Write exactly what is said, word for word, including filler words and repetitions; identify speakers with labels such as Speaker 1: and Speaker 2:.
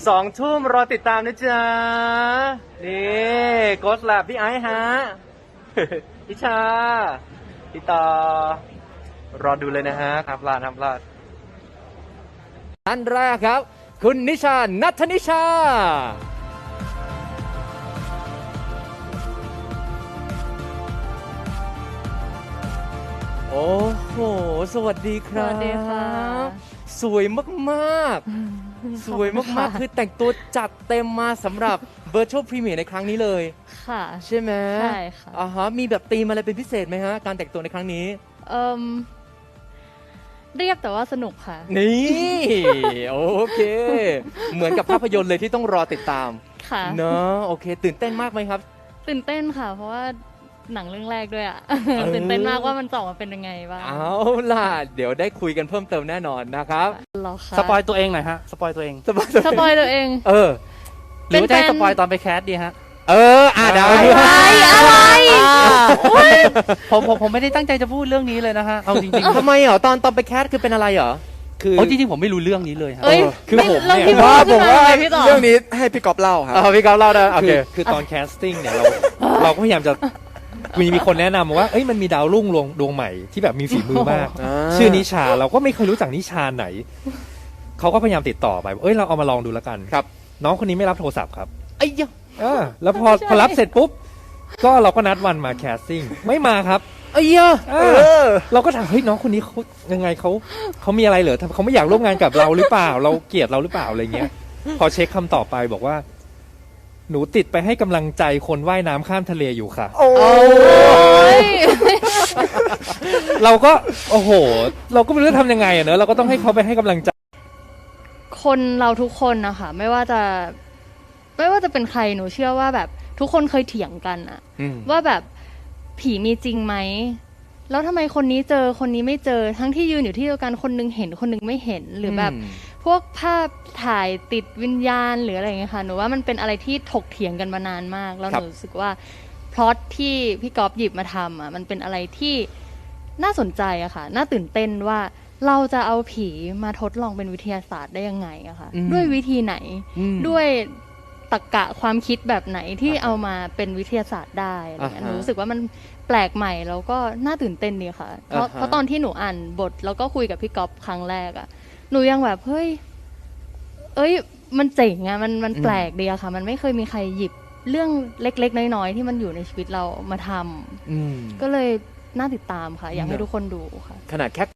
Speaker 1: สองทุ่มรอติดตามนะจ๊ะนี่โกสแลบพี่ไอซ์ฮะ พี่ชาพี่ต่อรอดูเลยนะฮะห้ามพลาดห้ามพลาดท่านแรกครับคุณนิชานัทนิชาโอ้โหสวัสดีครับ
Speaker 2: สวัสดีค่ะ
Speaker 1: สวยมากๆ สวยมากๆ คือแต่งตัวจัดเต็มมาสำหรับ Virtual Premiere ในครั้งนี้เลย
Speaker 2: ค่ะ
Speaker 1: ใช่ไหม
Speaker 2: ใช่ค่ะ
Speaker 1: อ่าฮะมีแบบธีมอะไรเป็นพิเศษไหมฮะ การแต่งตัวในครั้งนี้
Speaker 2: เอ่มเรียบแต่ว่าสนุกค่ะ
Speaker 1: นี่ โอเค เหมือนกับภาพยนตร์เลยที่ต้องรอติดตาม
Speaker 2: ค่ะ
Speaker 1: เนอะโอเค ตื่นเต้นมากไหมครับ
Speaker 2: ตื่นเต้นค่ะ เพราะว่าหนังเรื่องแรกด้วยอ่ะ
Speaker 1: อ
Speaker 2: ตื่นเต้นมากว่ามันจะออกมาเป็นยังไงบ้าง
Speaker 1: เอาล่ะ เดี๋ยวได้คุยกันเพิ่มเติมแน่นอนนะครับ
Speaker 2: เหรอคะ
Speaker 3: สปอยตัวเองหน่อยฮะ สปอยตัวเอง
Speaker 1: สบาย
Speaker 2: สปอยตัวเอง
Speaker 1: เออ
Speaker 3: หรือว่าจะให้
Speaker 2: เป็นแฟน
Speaker 3: สปอยตอนไปแคสดีฮะ
Speaker 1: เออ อ่ะได้
Speaker 2: อะไรอะไร
Speaker 3: ผมผมผมไม่ได้ตั้งใจจะพูดเรื่องนี้เลยนะฮะ เอาจริง
Speaker 1: ทำไมเหรอตอนตอนไปแคสคือเป็นอะไรเหรอ
Speaker 3: ๆคือเอาจริงๆผมไม่รู้เรื่องนี้เลยฮะ
Speaker 2: เอ้ย
Speaker 4: คือ
Speaker 2: ไม่
Speaker 4: ผม
Speaker 2: เรา
Speaker 4: เนี่ย
Speaker 2: พี่
Speaker 4: ว่า
Speaker 2: พูด
Speaker 4: ผม
Speaker 2: ขึ้น
Speaker 4: ว่า
Speaker 2: เลยพี่ต่อ
Speaker 4: เรื่องนี้ให้พี่ก๊อฟเล่าครับ
Speaker 1: เออพี่กอล์ฟเล่าได้โอ
Speaker 3: คื
Speaker 1: เค
Speaker 3: อคือตอนแคสติ้งเนี่ยเราเราก็พยายามจะมีมีคนแนะนำมาว่าเอ้ยมันมีดาวรุ่งดวงดวงใหม่ที่แบบมีฝีมือมาก
Speaker 1: อ่า
Speaker 3: ชื่อนิชาเราก็ไม่เคยรู้จักนิชาไหน เขาก็พยายามติดต่อไปเอ้ยเราเอามาลองดูแล้วกัน
Speaker 1: ครับ
Speaker 3: น้องคนนี้ไม่รับโทรศัพท์ครับ
Speaker 1: ไอ้ยะ
Speaker 3: เออแล้วพอพอรับเสร็จปุ๊บก็เราก็นัดวันมาแคสติ้งไม่มาครับ
Speaker 1: ไอ้ยะ
Speaker 3: เออเราก็ถามเฮ้ยน้องคนนี้เขายังไงเขาเขามีอะไรเหรอเขาไม่อยากร่วมงานกับเราหรือเปล่า เราเกลียดเราหรือเปล่าอะไรเงี้ย พอเช็คคำตอบไปบอกว่า หนูติดไปให้กำลังใจคนว่ายน้ำข้ามทะเลอยู่ค่ะ
Speaker 1: โอ้
Speaker 2: โอ้ย
Speaker 3: เราก็โอ้โห เราก็ไม่รู้จะทำยังไงอะเนอะเราก็ต้องให้เขาไปให้กำลังใจ
Speaker 2: คนเราทุกคนนะคะไม่ว่าจะ ไม่ว่าจะเป็นใครหนูเชื่อว่าแบบทุกคนเคยเถียงกันอะ
Speaker 1: อืม
Speaker 2: ว่าแบบผีมีจริงไหม แล้วทำไมคนนี้เจอคนนี้ไม่เจอ ทั้งที่ยืนอยู่ที่เดียวกันคนนึงเห็นคนนึงไม่เห็น หรือแบบพวกภาพถ่ายติดวิญญาณหรืออะไรอย่างเงี้ยค่ะ หนูว่ามันเป็นอะไรที่ถกเถียงกันมานานมาก แล้วหนูรู้สึกว่าพล็อตที่พี่ก๊อฟหยิบมาทำอ่ะมันเป็นอะไรที่น่าสนใจอะค่ะ น่าตื่นเต้นว่าเราจะเอาผีมาทดลองเป็นวิทยาศาสตร์ได้ยังไงอะค่ะ
Speaker 1: อืม
Speaker 2: ด้วยวิธีไหน
Speaker 1: อืม
Speaker 2: ด้วยตรรกะความคิดแบบไหนที่
Speaker 1: อ่าฮะ
Speaker 2: เอามาเป็นวิทยาศาสตร์ได้อะไรเงี้ย
Speaker 1: อ่าฮะ
Speaker 2: หนูรู้สึกว่ามันแปลกใหม่แล้วก็น่าตื่นเต้นดีค่ะ เพราะ
Speaker 1: อ่าฮะ
Speaker 2: เพราะตอนที่หนูอ่านบทแล้วก็คุยกับพี่ก๊อฟครั้งแรกอะหนูยังแบบเฮ้ย เอ้ย มันเจ๋งอะมันมันแปลกดีอะค่ะ มันไม่เคยมีใครหยิบเรื่องเล็กๆน้อยๆที่มันอยู่ในชีวิตเรามาทำ
Speaker 1: อืม
Speaker 2: ก็เลยน่าติดตามค่ะ อยากให้
Speaker 1: เนอะ
Speaker 2: ทุกคนดูค่ะ
Speaker 1: ขนาดแค่